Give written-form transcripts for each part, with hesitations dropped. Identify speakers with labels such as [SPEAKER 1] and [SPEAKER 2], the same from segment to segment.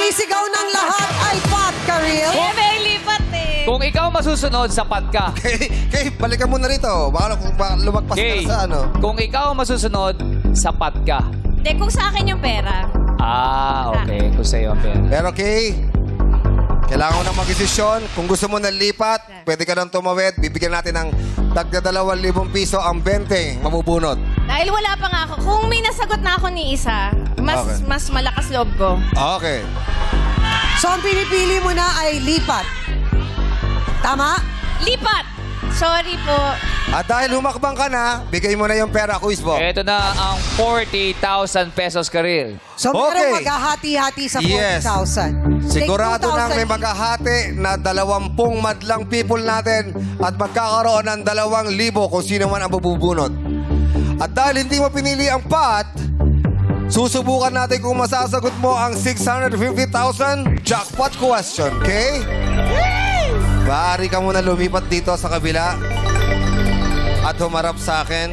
[SPEAKER 1] sumisigaw ng lahat ay Pat Karil.
[SPEAKER 2] Eh, may lipat eh.
[SPEAKER 3] Kung ikaw masusunod, sapat ka.
[SPEAKER 4] Kay, balikan mo na rito. Baka lumagpas
[SPEAKER 3] Okay.
[SPEAKER 4] ka sa ano.
[SPEAKER 3] Kung ikaw masusunod, sapat ka.
[SPEAKER 2] Hindi, kung sa akin yung pera.
[SPEAKER 3] Okay. Kung sa'yo ang pera.
[SPEAKER 4] Pero Kay, kailangan mo nang mag-desisyon. Kung gusto mo na lipat, pwede ka nang tumawid. Bibigyan natin ng tagda 2,000 piso ang 20 mabubunot.
[SPEAKER 2] Dahil wala pa nga ako. Kung may nasagot na ako ni isa,
[SPEAKER 4] Okay.
[SPEAKER 2] mas malakas loob ko.
[SPEAKER 4] Okay.
[SPEAKER 1] So, ang pinipili mo na ay lipat. Tama?
[SPEAKER 2] Lipat! Sorry po.
[SPEAKER 4] At dahil humakbang ka na, bigay mo na yung pera, Quiz Bo.
[SPEAKER 3] Ito na ang 40,000 pesos, Karil.
[SPEAKER 1] So,
[SPEAKER 4] Okay.
[SPEAKER 1] merong maghahati-hati sa 40,000.
[SPEAKER 4] Yes. Sigurado
[SPEAKER 1] Take 2,000
[SPEAKER 4] nang may
[SPEAKER 1] each.
[SPEAKER 4] maghahati na 20 madlang people natin at magkakaroon ng 2,000 kung sino man ang mabubunot. At dahil hindi mo pinili ang Pat, susubukan natin kung masasagot mo ang 650,000 jackpot question, okay? Maaari ka muna lumipat dito sa kabila at humarap sa akin.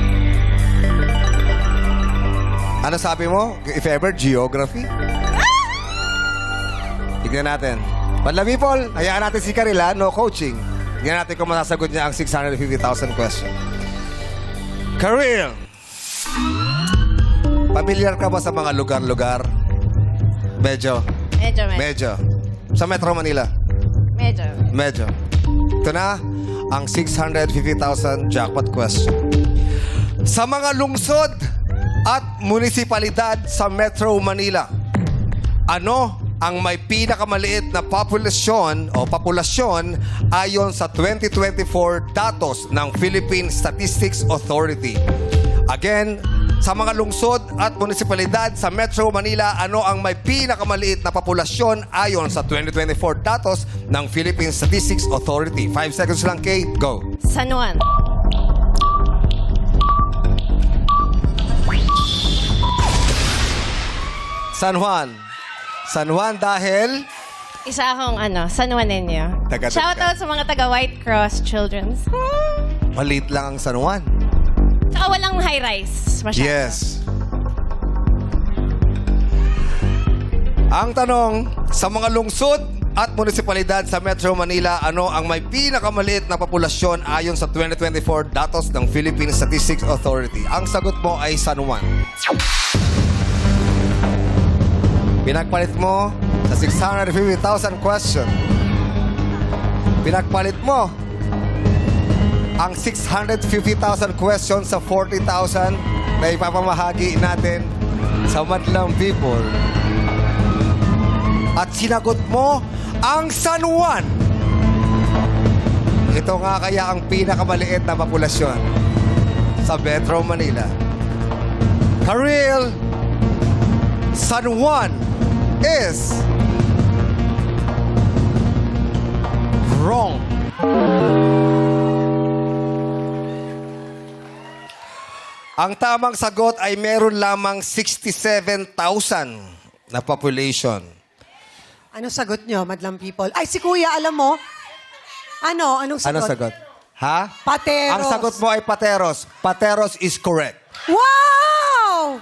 [SPEAKER 4] Ano sabi mo? If ever, geography? Tignan natin. Madlang people, hayaan natin si Karila, no coaching. Tignan natin kung masasagot niya ang 650,000 question. Karil! Pamilyar ka ba sa mga lugar-lugar? Medyo. Medyo. Sa Metro Manila? Medyo. Ito na ang 650,000 jackpot question. Sa mga lungsod at munisipalidad sa Metro Manila, ano ang may pinakamaliit na populasyon ayon sa 2024 datos ng Philippine Statistics Authority? Again, sa mga lungsod at munisipalidad sa Metro Manila, ano ang may pinakamaliit na populasyon ayon sa 2024 datos ng Philippine Statistics Authority? 5 seconds lang, Kay. Go.
[SPEAKER 2] San Juan.
[SPEAKER 4] San Juan. San Juan dahil...
[SPEAKER 2] Isa akong San Juanenyo.
[SPEAKER 4] Taga-taga.
[SPEAKER 2] Shoutout sa mga taga White Cross Children's.
[SPEAKER 4] Maliit lang ang San Juan.
[SPEAKER 2] Tsaka walang high-rise. Masyado.
[SPEAKER 4] Yes. Ang tanong, sa mga lungsod at munisipalidad sa Metro Manila, ano ang may pinakamaliit na populasyon ayon sa 2024 datos ng Philippine Statistics Authority? Ang sagot mo ay San Juan. Pinagpalit mo sa 650,000 question. Pinagpalit mo ang 650,000 questions sa 40,000 na ipapamahagi natin sa madlang people. At sinagot mo ang San Juan. Ito nga kaya ang pinakamaliit na populasyon sa Metro Manila. Karil, San Juan is wrong. Ang tamang sagot ay meron lamang 67,000 na population.
[SPEAKER 1] Ano sagot nyo, madlang people? Ay, si Kuya, alam mo? Anong sagot?
[SPEAKER 4] Ano sagot? Ha?
[SPEAKER 1] Pateros.
[SPEAKER 4] Ang sagot mo ay Pateros. Pateros is correct.
[SPEAKER 1] Wow!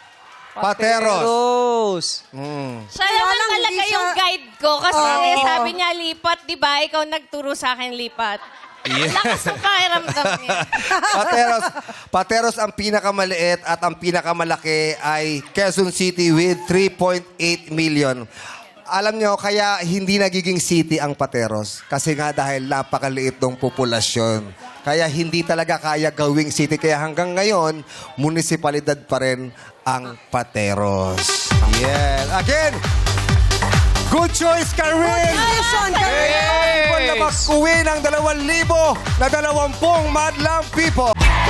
[SPEAKER 4] Pateros.
[SPEAKER 2] Siya
[SPEAKER 1] Kaya
[SPEAKER 2] naman
[SPEAKER 1] lang,
[SPEAKER 2] talaga
[SPEAKER 1] hindi siya-
[SPEAKER 2] yung guide ko kasi
[SPEAKER 1] Oo.
[SPEAKER 2] sabi niya lipat, di ba? Ikaw nagturo sa akin lipat.
[SPEAKER 4] Yes.
[SPEAKER 2] Lakas ng pakiramdam niya.
[SPEAKER 4] Pateros ang pinakamaliit at ang pinakamalaki ay Quezon City with 3.8 million. Alam nyo, kaya hindi nagiging city ang Pateros. Kasi nga dahil napakaliit ng populasyon. Kaya hindi talaga kaya gawing city. Kaya hanggang ngayon, munisipalidad pa rin ang Pateros. Yeah. Again, good choice, Karil!
[SPEAKER 1] Congratulations, Karil!
[SPEAKER 4] Hey! Na mag-uwi ng 2,000 na 20 madlang people.